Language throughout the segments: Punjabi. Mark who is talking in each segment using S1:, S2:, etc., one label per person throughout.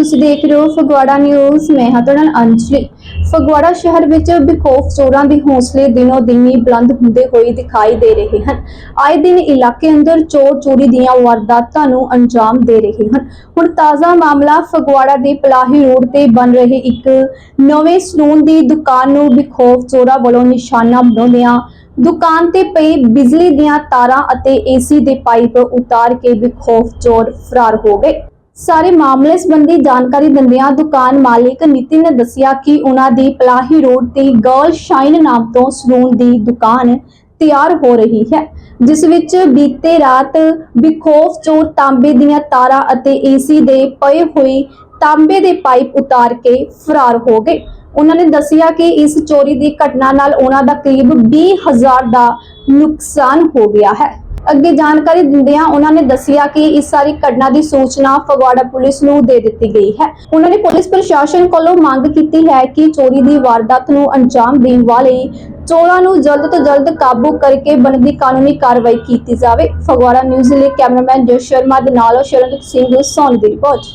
S1: ਤੁਸੀਂ ਦੇਖ ਰਹੇ ਹੋ ਫਗਵਾੜਾ ਨਿਊਜ਼। ਮੈਂ ਹਾਂ ਤੁਹਾਡਾ ਨਾਲ ਅੰਜਲੀ। ਫਗਵਾੜਾ ਸ਼ਹਿਰ ਵਿੱਚ ਬੇਖੌਫ ਚੋਰਾਂ ਦੇ ਹੌਸਲੇ ਦਿਨੋਂ ਦਿਨ ਹੀ ਬੁਲੰਦ ਹੁੰਦੇ ਹੋਏ ਦਿਖਾਈ ਦੇ ਰਹੇ ਹਨ। ਆਏ ਦਿਨ ਇਲਾਕੇ ਅੰਦਰ ਚੋਰ ਚੋਰੀ ਦੀਆਂ ਵਾਰਦਾਤਾਂ ਨੂੰ ਅੰਜਾਮ ਦੇ ਰਹੇ ਹਨ। ਹੁਣ ਤਾਜ਼ਾ ਮਾਮਲਾ ਫਗਵਾੜਾ ਦੇ ਪਲਾਹੀ ਰੋਡ ਤੇ ਬਣ ਰਹੇ ਇੱਕ ਨਵੇਂ ਸਲੂਨ ਦੀ ਦੁਕਾਨ ਨੂੰ ਬੇਖੌਫ ਚੋਰਾਂ ਵੱਲੋਂ ਨਿਸ਼ਾਨਾ ਬਣਾਉਂਦਿਆਂ ਦੁਕਾਨ ਤੇ ਪਈ ਬਿਜਲੀ ਦੀਆਂ ਤਾਰਾਂ ਅਤੇ ਏਸੀ ਦੇ ਪਾਈਪ ਉਤਾਰ ਕੇ ਬੇਖੌਫ ਚੋਰ ਫਰਾਰ ਹੋ ਗਏ। ਸਾਰੇ ਮਾਮਲੇ ਸੰਬੰਧੀ ਜਾਣਕਾਰੀ ਦਿੰਦਿਆਂ ਦੁਕਾਨ ਮਾਲਿਕ ਨਿਤਿਨ ਨੇ ਦੱਸਿਆ ਕਿ ਉਹਨਾਂ ਦੀ ਪਲਾਹੀ ਰੋਡ ਤੇ ਗਰਲ ਸ਼ਾਈਨ ਨਾਮ ਤੋਂ ਸਲੂਨ ਦੀ ਦੁਕਾਨ ਤਿਆਰ ਹੋ ਰਹੀ ਹੈ, ਜਿਸ ਵਿੱਚ ਬੀਤੇ ਰਾਤ ਬੇਖੌਫ ਚੋਰ ਤਾਂਬੇ ਦੀਆਂ ਤਾਰਾਂ ਅਤੇ ਏਸੀ ਦੇ ਪਏ ਹੋਏ ਤਾਂਬੇ ਦੇ ਪਾਈਪ ਉਤਾਰ ਕੇ ਫਰਾਰ ਹੋ ਗਏ। ਉਹਨਾਂ ਨੇ ਦੱਸਿਆ ਕਿ ਇਸ ਚੋਰੀ ਦੀ ਘਟਨਾ ਨਾਲ ਉਹਨਾਂ ਦਾ ਕਰੀਬ 20,000 ਦਾ ਨੁਕਸਾਨ ਹੋ ਗਿਆ ਹੈ। ਅੱਗੇ ਜਾਣਕਾਰੀ ਦਿੰਦਿਆਂ ਉਹਨਾਂ ਨੇ ਦੱਸਿਆ ਕਿ ਇਸ ਸਾਰੀ ਘਟਨਾ ਦੀ ਸੂਚਨਾ ਫਗਵਾੜਾ ਪੁਲਿਸ ਨੂੰ ਦੇ ਦਿੱਤੀ ਗਈ ਹੈ। ਉਹਨਾਂ ਨੇ ਪੁਲਿਸ ਪ੍ਰਸ਼ਾਸਨ ਕੋਲੋਂ ਮੰਗ ਕੀਤੀ ਹੈ ਕਿ ਚੋਰੀ ਦੀ ਵਾਰਦਾਤ ਨੂੰ ਅੰਜਾਮ ਦੇਣ ਵਾਲੇ ਚੋਰਾਂ ਨੂੰ ਜਲਦ ਤੋਂ ਜਲਦ ਕਾਬੂ ਕਰਕੇ ਬਣਦੀ ਕਾਨੂੰਨੀ ਕਾਰਵਾਈ ਕੀਤੀ ਜਾਵੇ। ਫਗਵਾੜਾ ਨਿਊਜ਼ ਲਈ ਕੈਮਰਾਮੈਨ ਜਸ ਸ਼ਰਮਾ ਦੇ ਨਾਲ ਸ਼ਰਨਜੀਤ ਸਿੰਘ ਸੋਨੀ ਦੀ ਰਿਪੋर्ट।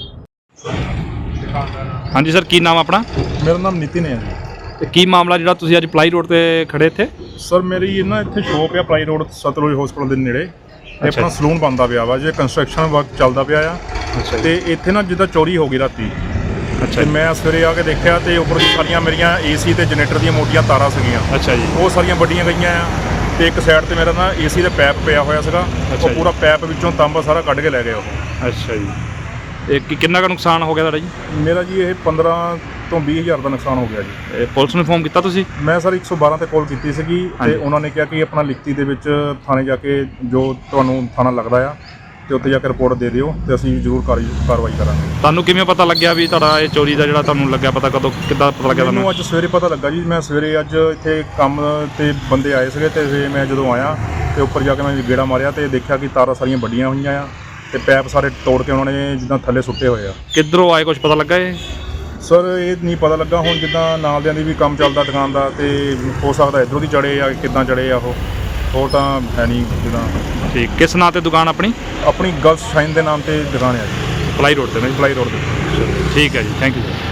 S2: हाँ जी सर, की नाम अपना?
S3: मेरा नाम नितिन है जी।
S2: ਤੇ ਕੀ ਮਾਮਲਾ ਜਿਹੜਾ ਤੁਸੀਂ ਅੱਜ ਪਲਾਈ ਰੋਡ ਤੇ ਖੜੇ ਇੱਥੇ?
S3: ਸਰ ਮੇਰੀ ਨਾ ਇੱਥੇ ਸ਼ੋਪ ਆ ਪਲਾਈ ਰੋਡ ਸਤਲੁਜ ਹਸਪਤਾਲ ਦੇ ਨੇੜੇ। ਇਹ ਆਪਣਾ ਸਲੂਨ ਬਣਦਾ ਪਿਆ ਵਾ, ਜੇ ਕੰਸਟਰਕਸ਼ਨ ਵਰਕ ਚੱਲਦਾ ਪਿਆ ਆ। ਤੇ ਇੱਥੇ ਨਾ ਜਿੱਦਾਂ ਚੋਰੀ ਹੋ ਗਈ ਰਾਤੀ। ਤੇ ਮੈਂ ਸਵੇਰੇ ਆ ਕੇ ਦੇਖਿਆ ਤੇ ਉੱਪਰ ਸਾਰੀਆਂ ਮੇਰੀਆਂ ਏਸੀ ਤੇ ਜਨਰੇਟਰ ਦੀਆਂ ਮੋਟੀਆਂ ਤਾਰਾਂ ਸੀਗੀਆਂ।
S2: ਅੱਛਾ ਜੀ।
S3: ਉਹ ਸਾਰੀਆਂ ਵੱਡੀਆਂ ਗਈਆਂ ਆ ਤੇ ਇੱਕ ਸਾਈਡ ਤੇ ਮੇਰਾ ਨਾ ਏਸੀ ਦਾ ਪੈਪ ਪਿਆ ਹੋਇਆ ਸੀਗਾ। ਉਹ ਪੂਰਾ ਪੈਪ ਵਿੱਚੋਂ ਤਾਂਬਾ ਸਾਰਾ ਕੱਢ ਕੇ ਲੈ ਗਏ ਉਹ।
S2: ਅੱਛਾ ਜੀ। ਇਹ ਕਿੰਨਾ ਕੁ ਨੁਕਸਾਨ ਹੋ ਗਿਆ ਤੁਹਾਡਾ ਜੀ?
S3: ਮੇਰਾ ਜੀ ਇਹ 15 ਤੋਂ 20,000 ਦਾ ਨੁਕਸਾਨ ਹੋ ਗਿਆ ਜੀ।
S2: ਇਹ ਪੁਲਿਸ ਨੂੰ ਇਨਫੋਰਮ ਕੀਤਾ ਤੁਸੀਂ?
S3: ਮੈਂ ਸਰ 112 ਤੇ ਕਾਲ ਕੀਤੀ ਸੀਗੀ ਤੇ ਉਹਨਾਂ ਨੇ ਕਿਹਾ ਕਿ ਆਪਣਾ ਲਿਖਤੀ ਦੇ ਵਿੱਚ ਥਾਣੇ ਜਾ ਕੇ ਜੋ ਤੁਹਾਨੂੰ ਥਾਣਾ ਲੱਗਦਾ ਆ ਤੇ ਉੱਥੇ ਜਾ ਕੇ ਰਿਪੋਰਟ ਦੇ ਦਿਓ ਤੇ ਅਸੀਂ ਜ਼ਰੂਰ ਕਾਰਵਾਈ ਕਰਾਂਗੇ।
S2: ਤੁਹਾਨੂੰ ਕਿਵੇਂ ਪਤਾ ਲੱਗਿਆ ਵੀ ਤੁਹਾਡਾ ਇਹ ਚੋਰੀ ਦਾ ਜਿਹੜਾ ਤੁਹਾਨੂੰ ਲੱਗਿਆ ਪਤਾ ਕਦੋਂ ਕਿੱਦਾਂ ਪਤਾ ਲੱਗਿਆ ਤੁਹਾਨੂੰ?
S3: ਮੈਨੂੰ ਅੱਜ ਸਵੇਰੇ ਪਤਾ ਲੱਗਾ ਜੀ। ਮੈਂ ਸਵੇਰੇ ਅੱਜ ਇੱਥੇ ਕੰਮ ਤੇ ਬੰਦੇ ਆਏ ਸੀਗੇ ਤੇ ਫਿਰ ਮੈਂ ਜਦੋਂ ਆਇਆ ਤੇ ਉੱਪਰ ਜਾ ਕੇ ਮੈਂ ਗੇੜਾ ਮਾਰਿਆ ਤੇ ਦੇਖਿਆ ਕਿ ਤਾਰਾਂ ਸਾਰੀਆਂ ਵੱਡੀਆਂ ਹੋਈਆਂ ਆ ਤੇ ਪੈਪ ਸਾਰੇ ਤੋੜ ਕੇ ਉਹਨਾਂ ਨੇ ਜਿੱਦਾਂ ਥੱਲੇ ਸੁੱਟੇ ਹੋਏ ਆ।
S2: ਕਿੱਧਰੋਂ ਆਏ ਕੁਝ ਪਤਾ ਲੱਗਾ ਇਹ?
S3: ਸਰ ਇਹ ਨਹੀਂ ਪਤਾ ਲੱਗਾ। ਹੁਣ ਜਿੱਦਾਂ ਨਾਲਦਿਆਂ ਦੀ ਵੀ ਕੰਮ ਚੱਲਦਾ ਦੁਕਾਨ ਦਾ ਤੇ ਹੋ ਸਕਦਾ ਇੱਧਰੋਂ ਦੀ ਚੜੇ ਆ, ਕਿੱਦਾਂ ਚੜੇ ਆ ਉਹ, ਹੋਰ ਤਾਂ ਹੈ ਨਹੀਂ ਜਿੱਦਾਂ।
S2: ਠੀਕ। ਕਿਸ ਨਾਂ ਤੇ ਦੁਕਾਨ ਆਪਣੀ?
S3: ਆਪਣੀ ਗਰਲ ਸ਼ਾਈਨ ਦੇ ਨਾਮ ਤੇ ਦੁਕਾਨ ਹੈ ਜੀ,
S2: ਪਲਾਈ ਰੋਡ ਤੇ?
S3: ਪਲਾਈ ਰੋਡ ਤੇ।
S2: ਠੀਕ ਹੈ ਜੀ, ਥੈਂਕ ਯੂ ਸਰ।